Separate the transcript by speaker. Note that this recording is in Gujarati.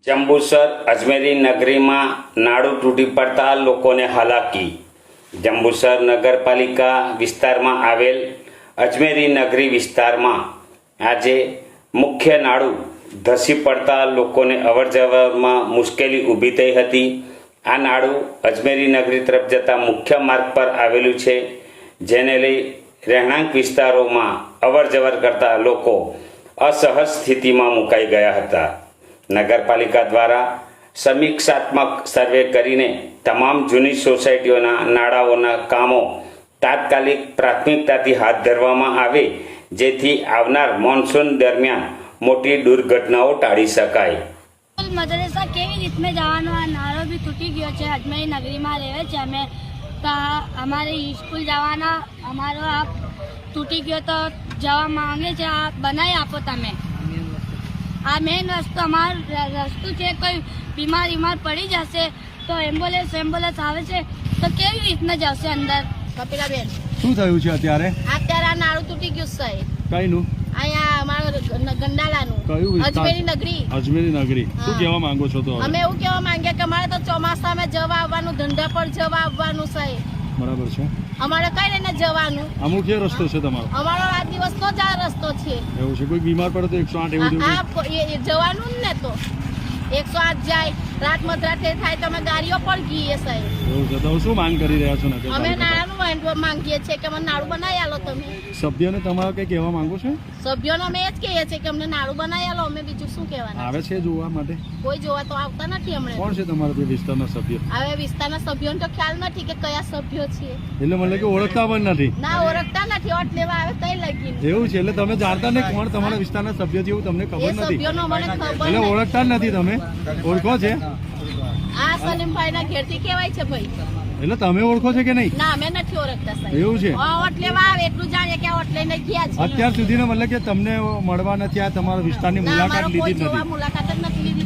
Speaker 1: જંબુસર અજમેરી નગરીમાં નાળું તૂટી પડતા લોકોને હાલાકી। જંબુસર નગરપાલિકા વિસ્તારમાં આવેલ અજમેરી નગરી વિસ્તારમાં આજે મુખ્ય નાળું ધસી પડતા લોકોને અવરજવરમાં મુશ્કેલી ઊભી થઈ હતી। આ નાળું અજમેરી નગરી તરફ જતા મુખ્ય માર્ગ પર આવેલું છે, જેને લઈ રહેણાંક વિસ્તારોમાં અવરજવર કરતા લોકો અસહજ સ્થિતિમાં મુકાઈ ગયા હતા। નગરપાલિકા દ્વારા સમીક્ષાત્મક સર્વે કરીને તમામ જૂની સોસાયટીઓના નાળાઓના કામો તાત્કાલિક પ્રાથમિકતાથી હાથ ધરવામાં આવે, જેથી આવનાર મોન્સૂન દરમિયાન મોટી દુર્ઘટનાઓ ટાળી શકાય।
Speaker 2: મદરસા કેવી રીતને જવાનો આ નાળો બી તૂટી ગયો છે। અજમેરી નગરીમાં રહે છે અમે, તો અમારે સ્કૂલ જવાના અમારો આ તૂટી ગયો તો જવા માંગે છે, આ બનાવી આપો તમે। આ મેઇન રસ્તો અમારો રસ્તો છે, કોઈ બીમાર પડી જશે તો એમ્બ્યુલન્સ આવે છે તો કેવી રીતના જશે અંદર? કપિલાબેન,
Speaker 3: શું થયું છે અત્યારે?
Speaker 2: અત્યારે આ નાળું તૂટી ગયું છે।
Speaker 3: કઈનું?
Speaker 2: અહીંયા અમારો ગંડાલાનું।
Speaker 3: કયું વિસ્તાર?
Speaker 2: અજમેરી નગરી।
Speaker 3: અજમેરી નગરી। શું કહેવા માંગો છો? તો
Speaker 2: અમે એવું કહેવા માંગીએ કે અમારે તો ચોમાસામાં જવા આવવાનું, ધંધા પર જવા આવવાનું છે।
Speaker 3: બરાબર છે।
Speaker 2: અમારે કઈ લઈને જવાનું?
Speaker 3: અમુક એ રસ્તો છે તમારો?
Speaker 2: અમારો આ દિવસનો જ આ રસ્તો છે।
Speaker 3: એવું છે? કોઈ બીમાર પડે તો 108 એવું જેવું?
Speaker 2: આ જવાનું જ ને, તો 108 જાય, રાત મધરાતે થાય તો અમે ગાડીઓ પણ ગઈએ સાહેબ।
Speaker 3: એવું છે? તો શું માંગ કરી રહ્યા છો?
Speaker 2: અમે નાળાનું માંગીએ છીએ કે અમને નાળું બનાવી આલો તમે।
Speaker 3: સભ્યોને તમારે કઈ કહેવા માંગો છો?
Speaker 2: સભ્યોને અમે એ જ કહીએ છીએ કે અમને નાળું બનાવી આલો, અમે બીજું શું કહેવાના?
Speaker 3: આવે છે જોવા માટે?
Speaker 2: કોઈ જોવા તો આવતા નથી હમણાં।
Speaker 3: કોણ છે તમારા તે વિસ્તારના સભ્ય?
Speaker 2: હવે વિસ્તારના સભ્યોને તો ખ્યાલ નથી કે કયા સભ્યો છે।
Speaker 3: એટલે મને કે ઓળખતા પણ નથી?
Speaker 2: ના, ઓળખતા નથી, ઓટ લેવા આવે તઈ લગીને।
Speaker 3: એવું છે? એટલે તમે જાણતા નહીં કોણ તમારા વિસ્તારના સભ્ય છે એવું તમને ખબર
Speaker 2: એ
Speaker 3: નથી?
Speaker 2: સભ્યોનો મને ખબર
Speaker 3: એટલે
Speaker 2: નથી।
Speaker 3: ઓળખતા જ નથી તમે? ઓળખો છે?
Speaker 2: આ સલીમભાઈ ના ઘેરથી કહેવાય છે ભાઈ।
Speaker 3: એટલે તમે ઓળખો છે કે નહીં?
Speaker 2: ના, અમે નથી ઓળખતા સાહેબ।
Speaker 3: એવું છે?
Speaker 2: ઓટ લેવા આવે એટલું જાણીએ કે ઓટ લઈને ગયા છે।
Speaker 3: અત્યાર સુધીનો મતલબ કે તમને મળવા નથી, આ તમારા વિસ્તારની
Speaker 2: ના,
Speaker 3: મુલાકાત
Speaker 2: અમારો કોઈ
Speaker 3: લીધી જ
Speaker 2: જોવા
Speaker 3: નથી?
Speaker 2: મુલાકાત જ નથી લીધી